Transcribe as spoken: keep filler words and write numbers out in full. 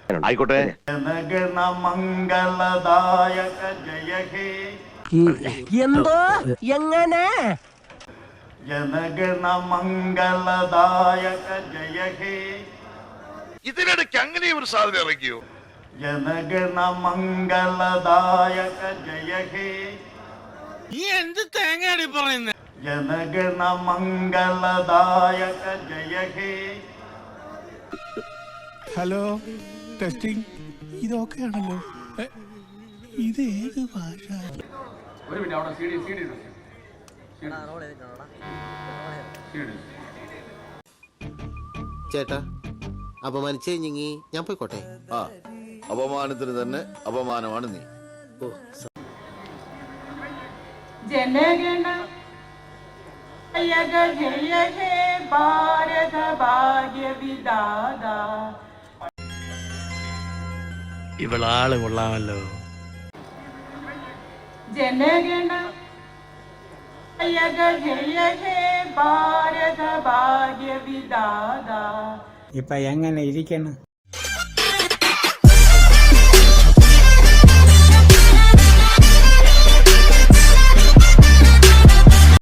ആയിക്കോട്ടെ. എന്തോ എങ്ങനെ ജനഗണ മംഗളദായക ജയ ഹേ. ഇതിനിടയ്ക്ക് അങ്ങനെ ഒരു സാധനം ഇറങ്ങിയോ? ജനഗണ മംഗളദായക ജയ ഹേ. ഈ എന്ത് തേങ്ങയാണ് പറയുന്നത്? ജനഗണ മംഗളദായക ജയ ഹേ. Hello, testing. ഇതൊക്കെയാണല്ലോ. ഇത് ഏത് ഭാഷ? ഒരു മിനിറ്റ്, അവിടെ സി ഡി സി ഡി ചേട്ടാ, അപമാനിച്ചു കഴിഞ്ഞെങ്കി ഞാൻ പോയിക്കോട്ടെ. ആ, അപമാനത്തിന് തന്നെ അപമാനമാണ് നീ. ജനഗണ ജയ ഹേ ഭാരത ഭാഗ്യ വിദാത. ഇവളാള് കൊള്ളാമല്ലോ. ജനഗണ ജയ ഹേ ഭാരത ഭാഗ്യ വിദാത. ഇപ്പൊ എങ്ങനെ ഇരിക്കണം?